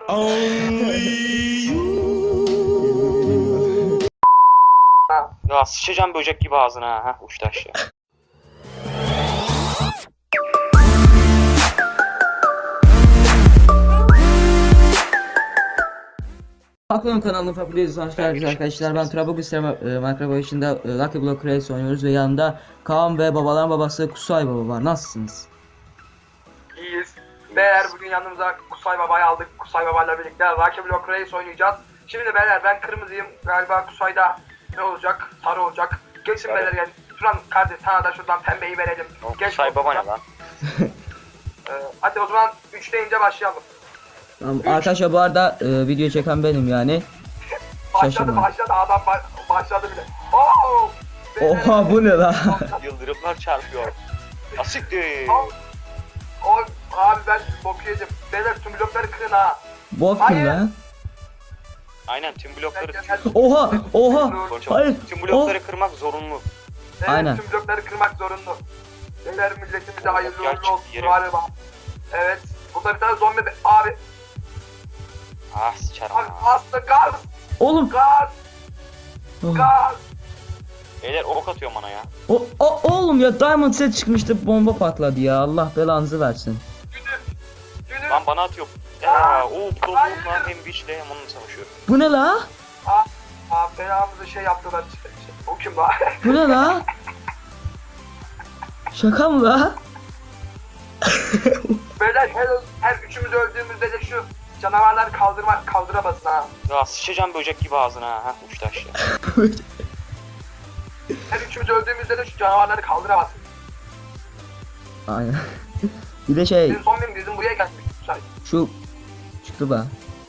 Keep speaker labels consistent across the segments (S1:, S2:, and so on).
S1: Only you.
S2: Ya sıçacağım böcek gibi ağzına ha. Uçtu aşağı.
S3: Aklım kanalının Fabriyası hoş geldiniz arkadaşlar. Ben Trabzon Minecraft oyununda Lucky Block Race oynuyoruz ve yanında Kaan ve babaların babası Kusay Baba var. Nasılsınız?
S4: İyiyiz. Beyler bugün yanımıza Kusay Baba'yı aldık. Kusay Baba'yla birlikte Lucky Block Race oynayacağız. Şimdi beyler ben kırmızıyım. Galiba Kusay'da ne olacak? Sarı olacak. Geçin evet. Beyler yani. Şuran kardeş sana da şuradan pembeyi verelim.
S2: Kusay Baba ne lan?
S4: Hadi o zaman 3 deyince başlayalım.
S3: Tamam, arkadaşlar bu arada video çeken benim yani.
S4: Başladı adam başladı bile. Oo!
S3: Oha bu ne la?
S2: Yıldırımlar çarpıyor. Asiktir.
S4: Abi ben bok yiyeceğim. Beyler tüm blokları kırın ha.
S3: Bok kim lan?
S2: Aynen tüm blokları
S3: Oha! Hayır.
S2: Tüm blokları kırmak zorunlu.
S4: Evet,
S3: aynen.
S4: tüm blokları kırmak zorunlu. Beyler milletimize hayırlı uğurlu olsun galiba. Evet. Burada bir tane zombi abi.
S2: Ah sıçarım
S4: Abi
S2: ha.
S4: aslında gaz.
S3: Oğlum.
S4: Gaz. Gaz.
S2: Beyler ok atıyor bana ya.
S3: Oğlum ya Diamond set çıkmıştı, bomba patladı ya. Allah belanızı versin.
S4: Günü.
S2: Lan bana atıyor. Ya o problemalar hem biçle hem onunla savaşıyor.
S3: Bu ne la?
S4: Belamızı şey yaptılar. O kim la?
S3: Bu ne la? Şaka mı la?
S4: Beyler her üçümüz öldüğümüzde de şu canavarları kaldıramazsın ha.
S2: Ya sıçacağım böcek gibi ağzına ha. Uçtu aşağı.
S4: Her üçümüz öldüğümüzde de şu canavarları kaldıramazsın.
S3: Aynen. Bir de şey,
S4: Bizim zombim bizim buraya gelmiş.
S3: şu çıktı be.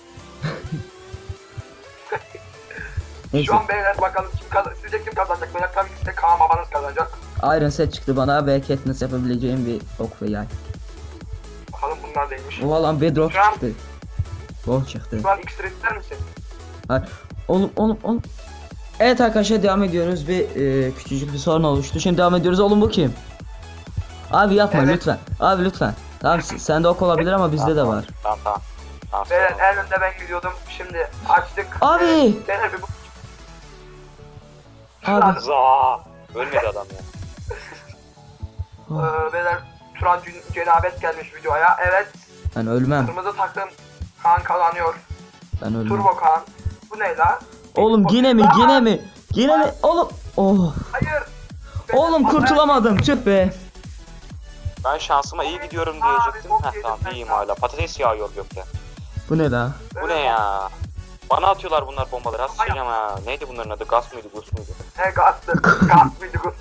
S3: Neyse.
S4: Şu an beyler bakalım sizce kim kazanacak? Beyler tabii ki de Kaan babanız kazanacak.
S3: Iron set çıktı bana ve Katniss yapabileceğim bir ok ve yay.
S4: Bakalım bunlar neymiş.
S3: Oha lan Bedrock
S4: Şu an-
S3: çıktı. Gold çıktı.
S4: Şu an X-ray ister misin?
S3: Hayır. Oğlum. Evet arkadaşlar devam ediyoruz. Bir küçücük bir sorun oluştu. Şimdi devam ediyoruz. Oğlum bu kim? Abi yapma
S4: Evet.
S3: lütfen. Abi lütfen. Tamam sende ok olabilir ama bizde de var.
S2: Tamam.
S4: Beyler en önde ben gidiyordum. Şimdi açtık.
S3: Abi!
S4: Beyler bir bu.
S3: Abi.
S2: Za. Ölmedi adam ya.
S4: Beyler Turan cenabet gelmiş videoya. Evet.
S3: Ben ölmem.
S4: Kırmızı takım Kaan kazanıyor.
S3: Ben ölmem.
S4: Turbo Kaan. Bu ne la?
S3: Oğlum yine mi? Yine mi? Oğlum. Oh.
S4: Hayır.
S3: Oğlum kurtulamadım. Tüh be.
S2: Ben şansıma iyi gidiyorum diyecektim. Heh tamam iyiyim hala. Patates yağıyor gökten.
S3: Bu ne la?
S2: Bu ne ya? Bana atıyorlar bunlar bombaları. Az sıçacağım ha. Neydi bunların adı? Gas mıydı? Gus muydu?
S4: Ne gazdı? Gaz mıydı bu?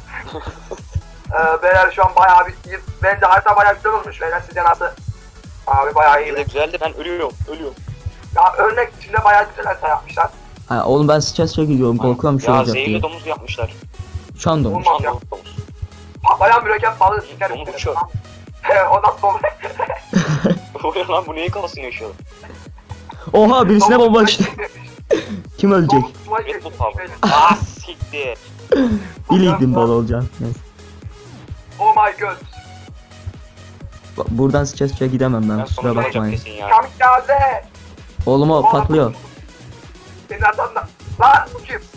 S4: Beyler şu an bayağı bir iyi. Bence harita bayağı güzel olmuş. Beyler sizce nasıl? Abi bayağı iyi.
S2: İyi de güzeldi. Ben ölüyorum.
S4: Ya örnek içinde bayağı güzel harita yapmışlar.
S3: Ha, oğlum ben stres gidiyorum. Korkuyorum şey
S2: Ya
S3: olacak
S2: zehirli
S3: diye.
S2: domuz yapmışlar.
S3: Şandom.
S4: Olmaz
S2: Şan
S4: ya.
S2: domuz.
S4: Bayağı mürekkep balığı sikerim.
S2: Domuz uçuyor.
S4: O nasıl olur?
S2: Bu ne lan? Bu neyin kafasını yaşıyor?
S3: Oha birisine bomba işte. Kim ölecek?
S2: Red Bull abi. Ah siktir.
S3: Biliydim bal olacağım. Neyse.
S4: Oh my god.
S3: Buradan stres gidemem ben.
S2: Ben
S3: Kusura
S2: sonunda olacak
S3: bakmayın.
S2: kesin ya.
S4: Kamikaze.
S3: Oğlum o patlıyor.
S4: Senin arkandan. Lan bu kim?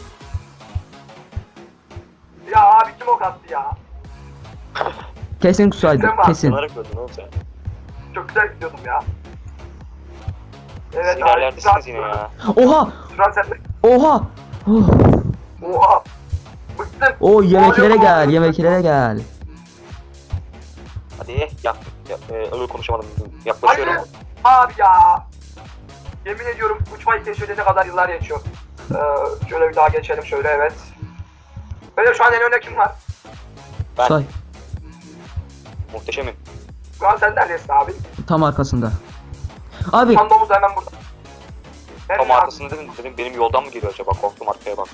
S4: Ya abi kim ok attı ya?
S3: Kesin kusaydı. Kesin.
S2: Sanarak öldün oğlum sen.
S4: Çok güzel gidiyordum ya. Evet
S2: Sinyallerdesiniz yine ya.
S3: Oha!
S4: Şuran sen de.
S3: Oha! Oh.
S4: Oha. Bıktım.
S3: O yemeklere gel.
S2: Hadi öyle konuşamadım. Yaklaşıyorum.
S4: Hayır. Abi ya. Yemin ediyorum uçmayı keşfedene kadar yıllar geçiyor. Şöyle bir daha geçelim şöyle evet. Böyle şu an en önde kim var?
S2: Ben
S3: Say.
S2: muhteşemim.
S4: Şu an sen neredesin abi?
S3: Tam arkasında. Abi.
S4: Tam domuz da hemen burada.
S2: Tam arkasında dedim benim yoldan mı geliyor acaba? Korktum arkaya bak.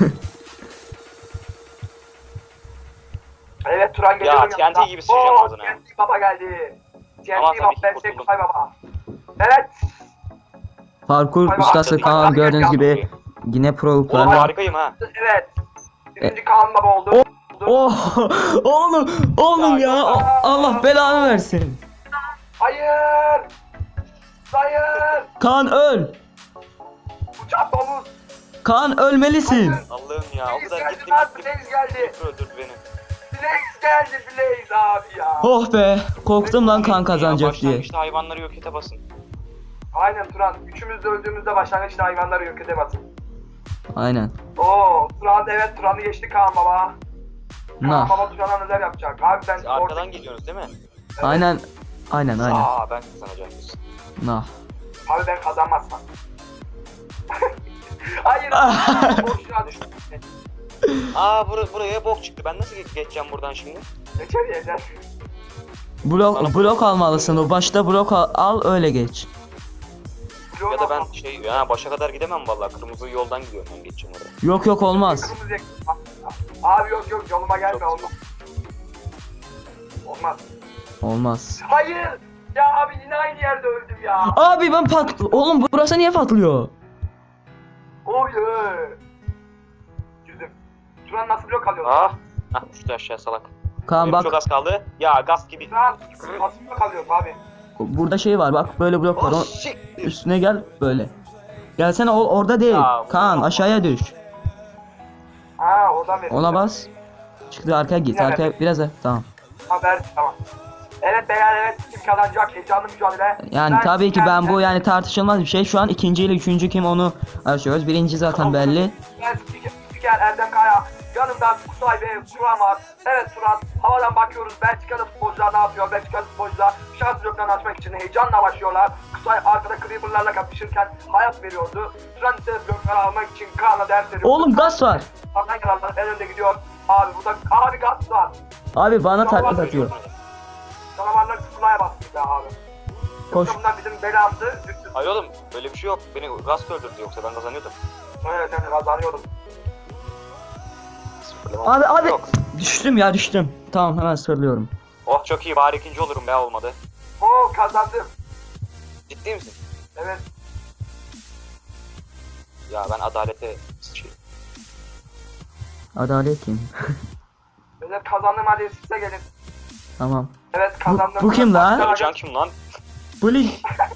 S4: Evet Turan geliyor.
S2: Ya TNT gibi sıçacağım ağzına.
S4: TNT baba geldi. TNT
S2: Tamam,
S4: baba
S2: tabii ki
S4: ben
S2: kurtuldum.
S4: Kusay baba. Evet.
S3: Parkur ustası Kaan gördüğünüz gibi yine
S2: Oğlum
S3: proluklar.
S2: harikayım ha.
S4: Evet. Birinci Kaan baba oldu.
S3: Oh! Oğlum ya. Allah belanı versin.
S4: Hayır. Hayır.
S3: Kaan öl.
S4: Uçak domuz.
S3: Kaan ölmelisin.
S2: Allah'ım ya o
S4: Blaze
S2: kadar
S4: geldi
S2: gittim
S4: lan,
S2: gittim.
S4: Blaze geldi.
S2: Öldürdü beni.
S4: Blaze geldi, Blaze abi ya.
S3: Oh be. Korktum lan Kaan
S2: Ya,
S3: kazanacak diye.
S2: başlangıçta hayvanları yok ete basın.
S4: Aynen Turan. Üçümüz de öldüğümüzde başlangıçta hayvanları yok edemezsin.
S3: Aynen.
S4: Oo Turan, evet Turan'ı geçti Kaan baba. Kaan
S3: Nah.
S4: baba Turan'a neler yapacak? Abi ben
S2: Siz arkadan geliyorsunuz değil mi?
S3: Aynen. Aynen.
S2: Aa ben kazanacağım.
S3: Nah.
S4: Abi ben kazanmazsam. Hayır. Boşuna düştüm.
S2: Aa buraya bok çıktı. Ben nasıl geçeceğim buradan şimdi?
S4: Geçer yeter.
S3: Blok almalısın. O başta blok al öyle geç.
S2: Ya da ben başa kadar gidemem vallahi. Kırmızı yoldan gidiyorum ben geçeceğim oraya.
S3: Yok olmaz.
S4: Kırmızı yak- Abi yok yoluma gelme
S2: Çok-
S4: olmaz. Olmaz.
S3: Olmaz.
S4: Hayır. Ya abi yine aynı yerde öldüm ya.
S3: Abi ben Oğlum burası niye patlıyor?
S4: Oy. Girdim. Turan nasıl blok alıyor?
S2: Ah düştü aşağı salak.
S3: Kaan
S2: Benim
S3: bak
S2: çok az kaldı. Ya gaz gibi.
S4: Turan nasıl blok alıyor abi?
S3: burada şey var bak böyle blok var.
S2: Oh
S3: O-
S2: shit.
S3: Üstüne gel böyle. Gelsene orada değil.
S2: Ya,
S3: Kaan aşağıya düş.
S4: Ha oradan veriyor.
S3: Ona bas. Çıktı arkaya git. Arkaya biraz da. Tamam.
S4: Haber tamam. Evet beyler evet kim kazanacak heyecanlı mücadele.
S3: Yani tabii ki ben bu yani tartışılmaz bir şey. Şu an ikinci ile üçüncü kim onu açıyoruz. Birinci zaten belli.
S4: Ben spiker Erdem Kaya. Yanımda Kusay ve Turan var. Evet Turan havadan bakıyoruz. Belçikalı futbolcular ne yapıyor? Belçikalı futbolcular şans bloklarını açmak için heyecanla başlıyorlar. Kusay arkada Creeper'larla kapışırken hayat veriyordu. Turan ise blokları almak için Kaan'a ders veriyor.
S3: Oğlum gaz var.
S4: Kaan yanarlar en önde gidiyor. Abi burada abi gaz var.
S3: Abi bana taklit atıyor.
S4: Canavarlar tıklaya bastı be abi.
S3: Koş.
S4: Yoksa bunlar bizim belamızı düştü.
S2: Hayır oğlum böyle bir şey yok. Beni gaz öldürdü yoksa ben kazanıyordum.
S4: Evet ben kazanıyordum.
S3: Abi
S2: Yok.
S3: düştüm. Tamam hemen söylüyorum.
S2: Oh çok iyi bari ikinci olurum ya olmadı.
S4: Oo kazandım.
S2: Ciddi misin?
S4: Evet.
S2: Ya ben adalete sıçayım.
S3: Adalet kim?
S4: Evet kazandım hadi size gelin.
S3: Tamam.
S4: Evet kazandım.
S3: Bu kim lan?
S2: Ya can kim lan?
S3: Bu lig.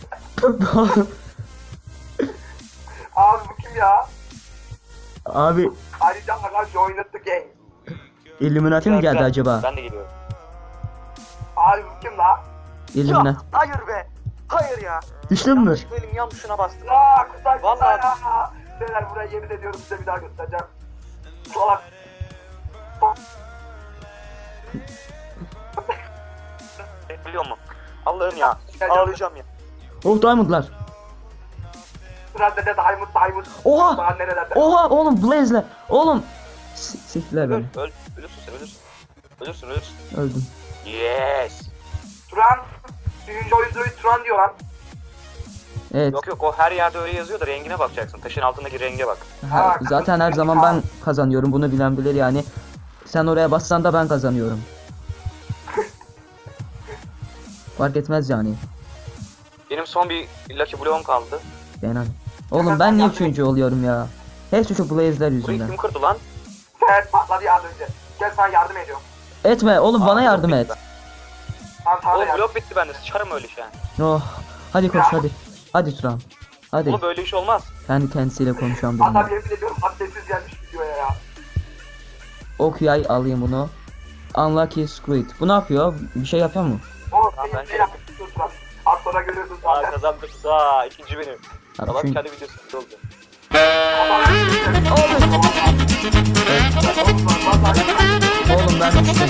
S4: Abi bu kim ya?
S3: Abi
S4: Ayrıca Hakan joined the game.
S3: Illuminati mi geldi acaba?
S2: Ben de geliyorum.
S4: Abi bu kim la?
S3: Illuminati.
S2: Hayır be. Hayır ya.
S3: Düştün mü?
S2: Benim yan tuşuna bastım.
S4: Aa Kutay
S2: Vallahi-
S4: ya. Beyler buraya yemin ediyorum size bir daha göstereceğim. Salak.
S2: Biliyor musun? Allah'ım ya. Ağlayacağım ya.
S3: Oh diamondlar.
S4: Sıra dede Diamond.
S3: Oha!
S4: Daha nerelerde?
S3: Oha oğlum Blaze'le. Oğlum. Siktiler beni.
S2: Ölürsün sen ölürsün. Ölürsün.
S3: Öldüm.
S2: Yes.
S4: Turan. Birinci oyuncuyu Turan diyor lan.
S3: Evet.
S2: Yok o her yerde öyle yazıyor da rengine bakacaksın. Taşın altındaki renge bak.
S3: Zaten her zaman ben kazanıyorum. Bunu bilen bilir yani. Sen oraya bassan da ben kazanıyorum. Fark etmez yani.
S2: Benim son bir Lucky Block'um kaldı.
S3: Yani. Oğlum ben niye üçüncü oluyorum ya? Hepsi şu Blaze'ler
S2: Burayı
S3: yüzünden.
S2: kim kırdı lan?
S4: Sen patladı ya az önce. Gel sana yardım ediyorum.
S3: Etme oğlum bana yardım et.
S4: Tamam sana da
S2: Oğlum
S4: yardım.
S2: blok bitti bende. Sıçarım öyle şey.
S3: Oh. Hadi koş hadi. Hadi Turan. Hadi.
S2: Oğlum böyle iş olmaz.
S3: Kendi kendisiyle konuşan
S4: Hatta
S3: birini.
S4: yemin ediyorum haddesiz gelmiş videoya ya.
S3: Ok yay alayım bunu. Unlucky Squid. Bu ne yapıyor? Bir şey yapıyor mu?
S4: Oğlum
S2: Tamam,
S4: senin
S2: ben
S4: ne yaptın Turan? Az sonra görüyorsun
S2: Aa
S4: zaten.
S2: kazandım. Aa ikinci benim.
S3: Abi
S2: Adam
S3: çünkü-
S2: kendi videosu oldu.
S3: Oğlum ben düştüm.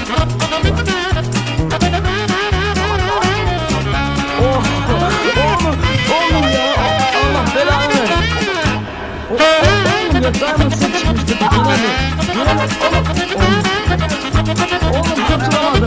S3: Oh! Oğlum ya! Allah belanı ver! Oğlum ya Diamond set çıkmıştı. Yine Oğlum kurtulamadım.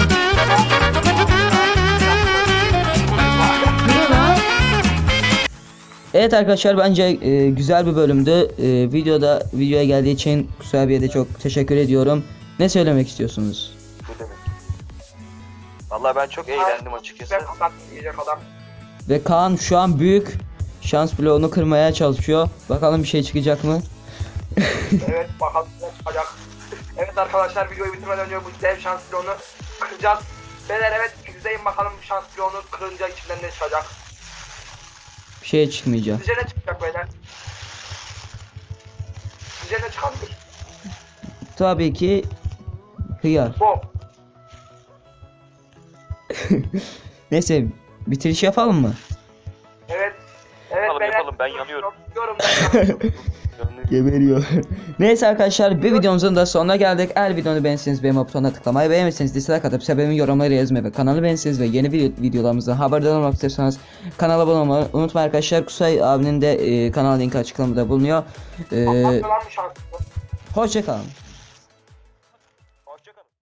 S3: Yine lan. Evet arkadaşlar bence güzel bir bölümdü. Videoya geldiği için Kusay abiye de çok teşekkür ediyorum. Ne söylemek istiyorsunuz?
S2: Ne demek? Vallahi ben çok eğlendim açıkçası.
S4: Ben kapattım yiyecek adam.
S3: Ve Kaan şu an büyük şans bloğunu kırmaya çalışıyor. Bakalım bir şey çıkacak mı?
S4: Evet bakalım ne çıkacak. Evet arkadaşlar videoyu bitirmeden önce bu dev şans bloğunu kıracağız. Beyler evet izleyin bakalım şans bloğunu kırınca içinden ne çıkacak.
S3: Bir şey çıkmayacak.
S4: Sizce ne çıkacak beyler? Sizce ne çıkabilir?
S3: Tabii ki hıyar.
S4: Bom.
S3: Neyse bitiriş yapalım mı?
S4: Evet. Evet
S2: Yapalım,
S4: beyler.
S2: yapalım, ben yanıyorum.
S4: Diyorum ben yanıyorum.
S3: Geberiyor. Neyse arkadaşlar bir videomuzun da sonuna geldik. Eğer videonu beğenirseniz beğenme butonuna tıklamayı, beğenmezseniz dislike atıp sebebimin yorumları yazmayı ve kanalı beğenirseniz ve yeni videolarımızdan haberdar olmak istiyorsanız kanala abone olmayı unutmayın arkadaşlar. Kusay abinin de kanal linki açıklamada bulunuyor.
S4: Atlatmadan mı şanslı?
S3: Hoşça kalın.